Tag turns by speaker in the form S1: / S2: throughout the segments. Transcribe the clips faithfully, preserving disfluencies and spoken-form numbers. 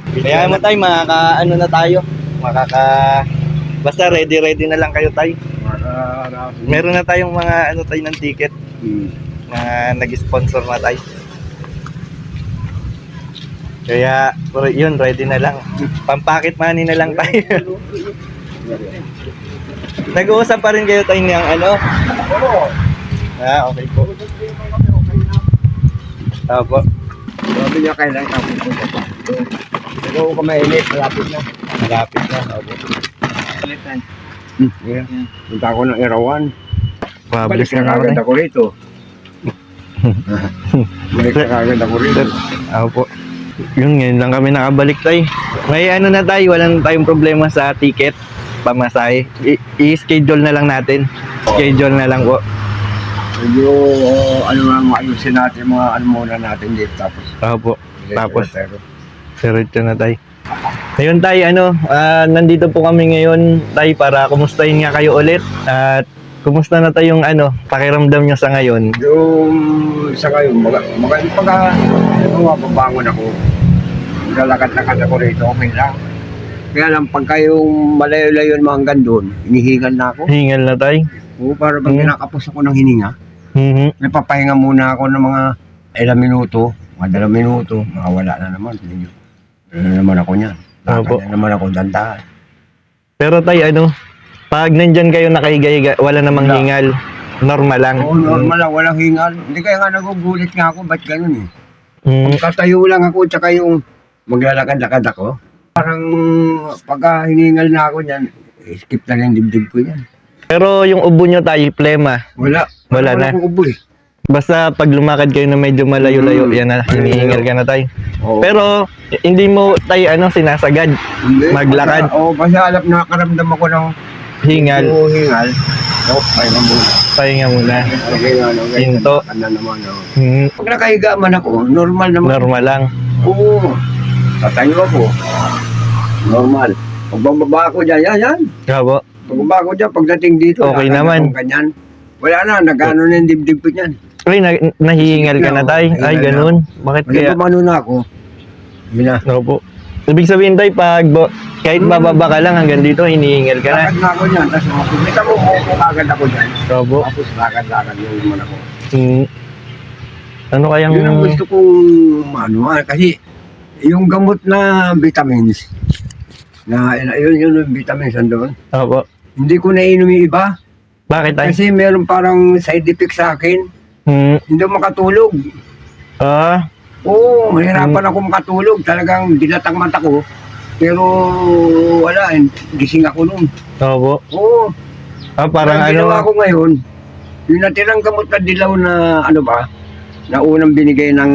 S1: Kaya mo tayo, makaka, ano na tayo, makaka, basta ready ready na lang kayo tayo. Meron na tayong mga ano tayo ng ticket
S2: Hmm.
S1: na nag-sponsor na tayo. Kaya yun, ready na lang. Pampakit money na lang tayo. Nag-uusap pa rin kayo tayo ng ano?
S2: Oo.
S1: Ah, okay po. Opo.
S2: Sabi niya kailan ka pupunta pa. Ikaw ka mainit, malapit na.
S1: Malapit na. Opo.
S2: Hmm, yeah. Punta ako ng Irawan. Balik
S1: Pabilis
S2: na
S1: na
S2: kagad
S1: naman.
S2: ako rito. Balik na kagad ako rito.
S1: Opo. Yun, ngayon lang kami nakabalik tayo. May ano na tayo, walang tayong problema sa ticket, pamasahe. I- I-schedule na lang natin. Schedule na lang po.
S2: Medyo, uh, ano nga, maayusin natin mga ano muna natin dito. Tapos,
S1: Opo. Tapos,
S2: pero,
S1: diretso na tayo. Ngayon tayo, ano, ah, nandito po kami ngayon tayo para kumustahin nga kayo ulit. At kumusta na tayong ano, pakiramdam nyo sa ngayon?
S2: yung sa ngayon, maga, maga, pagka, ano, mababangon ako, lalakad-lakad ako rito, okay lang. Kaya lang, pagka yung malayo-layo naman hanggang doon, hinihingal na ako.
S1: Hingal na tayo.
S2: Oo, para pag
S1: Hmm.
S2: kinakapos ako ng hininga,
S1: Mhm.
S2: may papahinga muna ako ng mga ilang minuto, mga dalawang minuto, makawala na naman. Medyo, ano na naman ako niyan. Lakad
S1: Opo.
S2: na naman ako dandahan.
S1: Pero tayo, ano, pag nandyan kayo nakahiga-higa, wala namang
S2: Wala.
S1: hingal. Normal lang.
S2: Oo, normal lang, walang hingal. Hindi kaya nga nagugulit nga ako, ba't ganun eh?
S1: Mm.
S2: Katayo lang ako, tsaka yung maglalakad-lakad ako. Parang pagka hiningal na ako niyan, eh, skip na lang yung dibdib ko yan.
S1: Pero yung ubo nyo tayo, plema.
S2: Wala.
S1: Wala na.
S2: akong ubo eh.
S1: Basta pag lumakad kayo na medyo malayo-layo,
S2: Mm.
S1: yan na, hinihingal ka na tayo.
S2: Oo.
S1: Pero hindi mo tayo ano, sinasagad.
S2: Hindi,
S1: maglakad.
S2: basta- Oo, basta alam nakakaramdam ako ng
S1: Hingal,
S2: Oo, hingal. Oo, pahinga muna.
S1: pahinga muna.
S2: Okay, ano, ganyan.
S1: Hinto.
S2: Ano naman, oh.
S1: Hmm,
S2: Pag nakahiga man ako, normal naman.
S1: normal lang.
S2: Oo. Tatayo ako. Normal. Pag bababa ako dyan, yan, yan.
S1: Opo.
S2: Pag bababa ako dyan, pagdating dito,
S1: Okay
S2: lakad
S1: naman.
S2: akong ganyan. Wala na, nag-ano na yung dibdib ko dyan.
S1: Ay, na, nahihingal ka na tayo. Ay, ganun. Bakit
S2: Kaya
S1: kaya?
S2: pumano na ako. Yun na.
S1: Opo. Ibig sabihin tayo, pag bo- kahit bababa ka lang hanggang dito, hinihingal ka na.
S2: Lakad na ako dyan. Tapos makikita mo, upo agad ako dyan.
S1: Opo.
S2: Tapos lakad-lakad yung naman ako.
S1: Hmm. Ano kayang...
S2: Yun ang gusto kong ano, ah, kasi yung gamot na vitamins, na yun yun yung vitamins andun,
S1: Opo.
S2: hindi ko nainom yung iba.
S1: Bakit tayo?
S2: Kasi meron parang side effect sa akin.
S1: Hmm.
S2: Hindi ako makatulog.
S1: Ah,
S2: Oo, mahirapan ako makatulog. Talagang dilatang mata ko. Pero wala, eh, gising ako nun.
S1: opo.
S2: Oo,
S1: Ah, parang
S2: ang ginawa
S1: ano...
S2: ko ngayon, yung natirang gamot na dilaw na ano ba, na unang binigay ng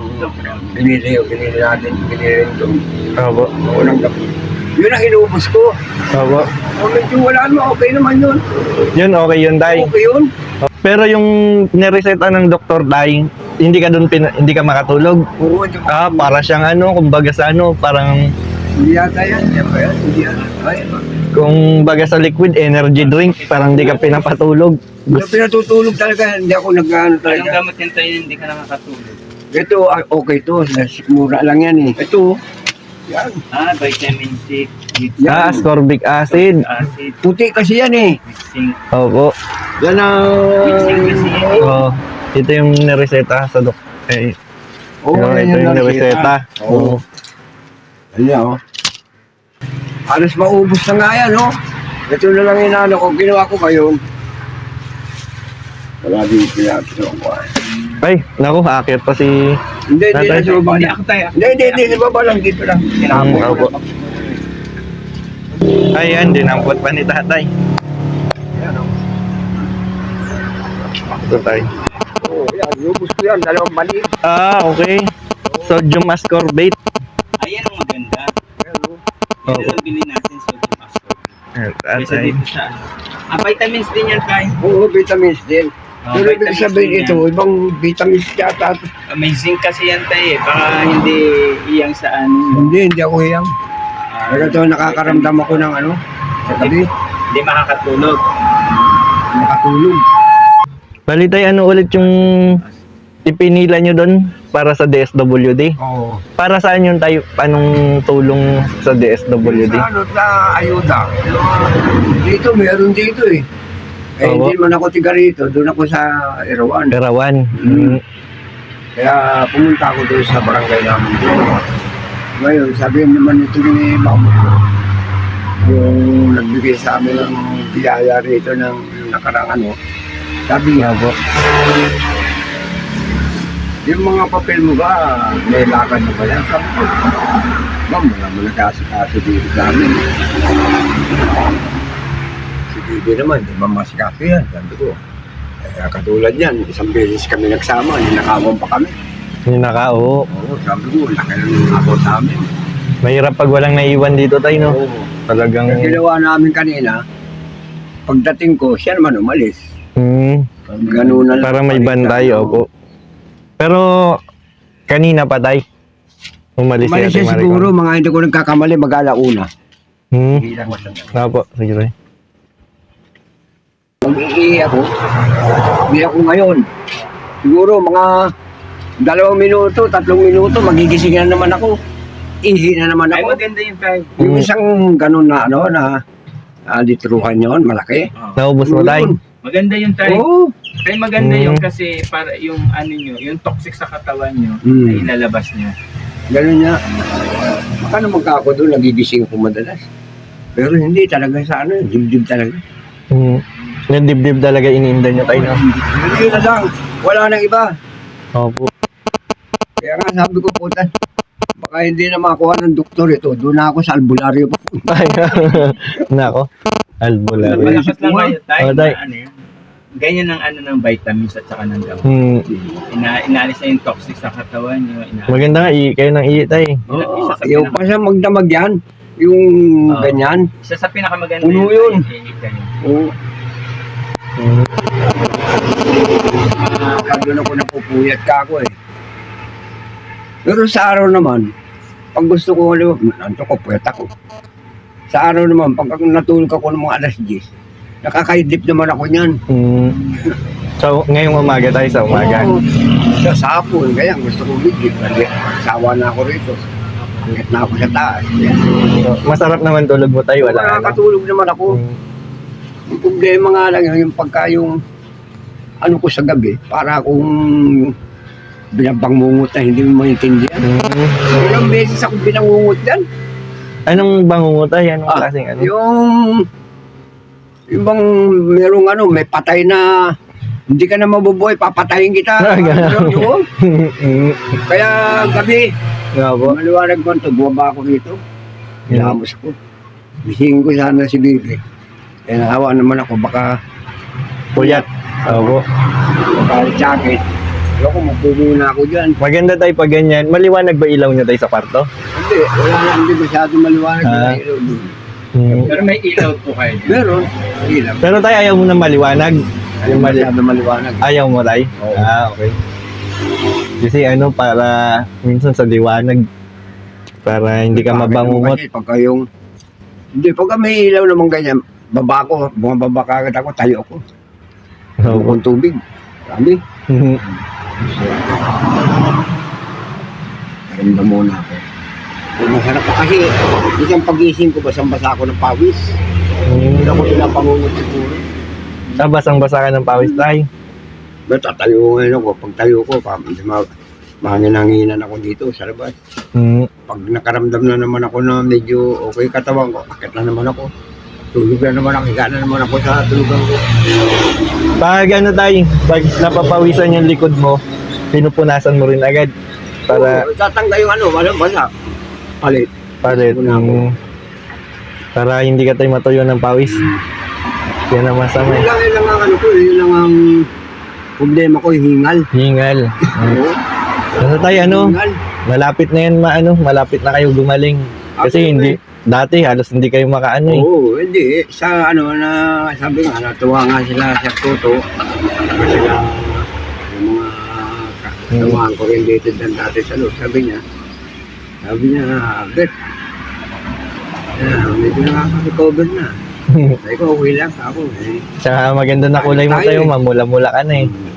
S2: binili, binili natin, binili rin doon.
S1: Opo.
S2: Unang gamot. Yun ang inuubos ko.
S1: Opo.
S2: O medyo wala naman, okay naman yun.
S1: Yun, okay yun tayo.
S2: Okay yun.
S1: Pero yung nireseta ng doktor tayo, hindi ka doon pin- hindi ka makatulog.
S2: Oo, di ba?
S1: Ah, para siyang ano, kumbaga sa ano, parang
S2: Hindi yata yan, hindi ba yan? Hindi yata. Ay,
S1: kung baga sa liquid energy drink, parang hindi ka pinapatulog.
S2: Yung pinatutulog talaga, hindi ako nag-ano
S3: Anong
S2: talaga.
S3: gamot yan tayo hindi ka nakakatulog?
S2: Ito, ah, okay to. Mura lang yan eh. Ito, yan.
S3: Ah, vitamin C, with
S1: Ah, ascorbic acid.
S3: acid,
S2: Puti kasi yan eh.
S3: with zinc.
S1: Opo.
S2: Yan ang...
S3: With zinc kasi yan eh.
S1: Oh, ito yung nireseta sa doktor. Eh,
S2: Oo,
S1: ito
S2: yan
S1: yung
S2: ang
S1: nireseta.
S2: Oo. Ayan, oh. Halos maubos na nga yan, oh. Ito na lang yung ano ko. Ginawa ko ngayon. Wala din pinapito ko.
S1: Ay, naku, akit pa si...
S2: Hindi, hindi
S1: Tatay.
S2: na sa baba.
S3: Hindi ako tayo.
S2: Hindi, hindi, hindi. Sa baba lang. Dito lang. Kinakapo
S1: Mm,
S2: ko
S1: opo.
S2: lang.
S1: Ayan, dinampot pa ni tatay.
S2: Ayan, oh.
S1: Ito tayo.
S2: Oo, yan. Lubos ko yan. Dalawang mali.
S1: Ah, okay. Sodium ascorbate.
S3: Ayan ang maganda.
S2: Ayan, oh.
S3: Ito
S1: Opo.
S3: lang bilhin natin sodium ascorbate.
S1: Ayan,
S3: Kasi
S1: tatay.
S3: dito sa ano. Ah, vitamins din yan tayo.
S2: Oo, vitamins din.
S3: Oh,
S2: Pero ibig
S3: vitamins
S2: sabihin
S3: din
S2: ito,
S3: yan.
S2: ibang vitamins yata.
S3: Ah, may zinc kasi yan tayo eh. Baka hindi iyang sa ano.
S2: Hindi, hindi ako hiyang.
S3: Ah,
S2: Pero ito, nakakaramdam ako ng ano, sa gabi,
S3: Hindi makakatulog.
S2: nakatulog.
S1: Bali tayo, ano ulit yung ipinila nyo doon para sa D S W D.
S2: Oo.
S1: Para saan yung tayo, anong tulong sa D S W D?
S2: Sa ano, sa ayuda. Dito, meron dito eh. Eh,
S1: Oo.
S2: hindi man ako tiga rito. Doon ako sa Erawan.
S1: Perawan.
S2: Mm.
S1: Mm.
S2: Kaya pumunta ako doon sa barangay namin. Ngayon, sabihin naman ito ni Ma'am, yung nagbigay sa amin ng biyaya rito ng nakarang ano, sabi niya,
S1: Opo.
S2: yung mga papel mo ba, may lakad na ba yan? Sabi ko, Ma'am, wala mo nagkasikaso dito sa amin. Si Bibi naman, di ba masikaso yan? Sabi ko, kaya katulad yan, isang beses kami nagsama, ninakawan pa kami.
S1: Yung naka, oo.
S2: Oo, sabi ko, laki ng ako sa amin.
S1: Mahirap pag walang naiwan dito tayo, no?
S2: Oo.
S1: Talagang...
S2: Ang ginawa namin kanina, pagdating ko, siya naman umalis.
S1: Mm.
S2: Ganun na lang.
S1: Para may bantay, opo. Pero, kanina pa tayo. Umalis
S2: Umalis
S1: si Ate
S2: siya
S1: Maricon.
S2: siguro, mga hindi ko nagkakamali, mag-alauna.
S1: Hmm.
S2: Hindi lang masanda.
S1: Opo, sige tayo.
S2: Mag-iihi ako, hindi ako ngayon. Siguro mga dalawang minuto, tatlong minuto, magigising na naman ako. Ihi na naman
S3: Ay,
S2: ako.
S3: maganda yung tayo.
S2: Yung
S1: Mm.
S2: isang ganun na ano, na uh, litruhan yun, malaki.
S3: Oh.
S1: Naubos mo tayo.
S2: Yun.
S3: Maganda yung tayo.
S2: Oo.
S3: Kaya maganda
S1: Mm.
S3: yung kasi para yung ano nyo, yung toxic sa katawan nyo,
S2: Mm.
S3: ay ilalabas nyo.
S2: Ganun niya. Baka naman ka ako doon, nagigising ko madalas. Pero hindi talaga sa ano, dibdib talaga.
S1: Hmm. Yung dibdib talaga iniinda nyo tayo, no?
S2: Hindi na lang, wala nang iba.
S1: Opo.
S2: Kaya nga sabi ko, puta, baka hindi na makuha ng doktor ito. Doon na ako sa albularyo pa.
S1: Ay, nako. Albularyo.
S3: Malakas lang kayo tayo.
S1: Oh, tay.
S3: na ano yun. Ganyan ang ano ng vitamins at saka ng gamot.
S1: Hmm.
S3: Ina inaalis na yung toxic sa katawan nyo. Ina
S1: Maganda nga, i kayo nang i tayo.
S2: Oo,
S3: Isa sa
S2: yung
S3: pinaka-
S2: pa siya magdamag yan. Yung
S3: Oo.
S2: ganyan.
S3: Isa sa pinakamaganda
S2: Puno yun.
S3: ay ihip kayo.
S2: Oo.
S1: Hmm.
S2: Kaya doon ako napupuyat ka ako eh. Pero sa araw naman, pag gusto ko, nanto ko, puyat ako. Sa araw naman, pag natulog ako ng mga alas diyes, nakakaidlip naman ako niyan.
S1: Hmm. So, ngayong umaga tayo sa umaga.
S2: Oo. Sa sapon, kaya gusto ko bigit. Kasi sawa na ako rito. Hanggat na ako sa taas.
S1: So, masarap naman tulog mo tayo, wala ano.
S2: Nakakatulog naman ako.
S1: Hmm.
S2: Yung problema nga lang yun, yung pagka yung ano ko sa gabi, para akong binabangungot na hindi mo maintindihan.
S1: Hmm.
S2: Ilang beses ako binangungot yan.
S1: Anong bangungot tayo? Anong
S2: Ah,
S1: klaseng ano?
S2: Yung, yung bang merong ano, may patay na hindi ka na mabubuhay, papatayin kita.
S1: Ah, ganun.
S2: Yun.
S1: Hmm.
S2: Kaya gabi,
S1: Nga po.
S2: maliwanag ko ito, bumaba ako rito.
S1: Hmm.
S2: Ilamos ko. Bisingin ko sana si Bibi. Eh, nahawa naman ako, baka
S1: Puyat. Opo.
S2: baka jacket. Ayoko, magpupo na ako dyan.
S1: Maganda tayo pag ganyan. Maliwanag ba ilaw nyo tayo sa kwarto?
S2: Hindi, wala na, hindi masyado maliwanag.
S1: Ah.
S2: yung ilaw doon.
S1: Hmm.
S3: Pero may ilaw po kayo dyan.
S2: Meron, ilaw.
S1: Pero tayo ayaw mo na maliwanag.
S2: Hindi
S1: Yung mali-
S2: masyado maliwanag.
S1: Ayaw mo tayo?
S2: Oo.
S1: Ah, okay. Kasi ano, para minsan sa liwanag, para hindi ka
S2: Bakit
S1: mabangungot.
S2: Kasi pagka yung, hindi, pagka may ilaw naman ganyan, baba ko, bumababa ka agad ako, tayo ako.
S1: Opo.
S2: Bukong tubig. Sabi, naramdam muna ako. Kung masarap pa kasi, isang pagising ko, basang-basa ako ng pawis. Hindi ako pinapangungot siguro.
S1: Ah, basang-basa ka ng pawis tayo.
S2: Pero tatayo ngayon ako, pag tayo ko, pa, hindi ma, mahanginanginan ako dito sa labas.
S1: Hmm.
S2: Pag nakaramdam na naman ako na medyo okay katawan ko, akit na naman ako. Tulog na naman ako, higa na naman ako sa tulugan ko.
S1: Pag ano tayo, pag napapawisan yung likod mo, pinupunasan mo rin agad. Para,
S2: Oo, tatangga yung ano, walang basa. Palit.
S1: palit.
S2: Pinupunan ko.
S1: Hmm. Para hindi ka tayo matuyo ng pawis. Yan ang masama
S2: Yun
S1: eh.
S2: lang, yun lang ang ano ko, yun lang ang problema ko, yung hingal.
S1: Hingal. Hmm.
S2: Oo,
S1: Ano tayo, ano?
S2: hingal.
S1: Malapit na yan, maano, malapit na kayo gumaling. Kasi
S2: Ako,
S1: hindi, dati halos hindi kayo makaano eh.
S2: Oo, hindi. Sa ano na, sabi nga, natuwa nga sila sa Toto. Kasi sila, yung mga katawahan ko rin dito dan dati sa loob. Sabi niya, sabi niya, Bet, ah, medyo nakaka-recover na. Sabi ko, okay lang ako. Eh.
S1: Tsaka maganda na kulay mo
S2: Tayo
S1: tayo,
S2: eh.
S1: mamula-mula ka na eh.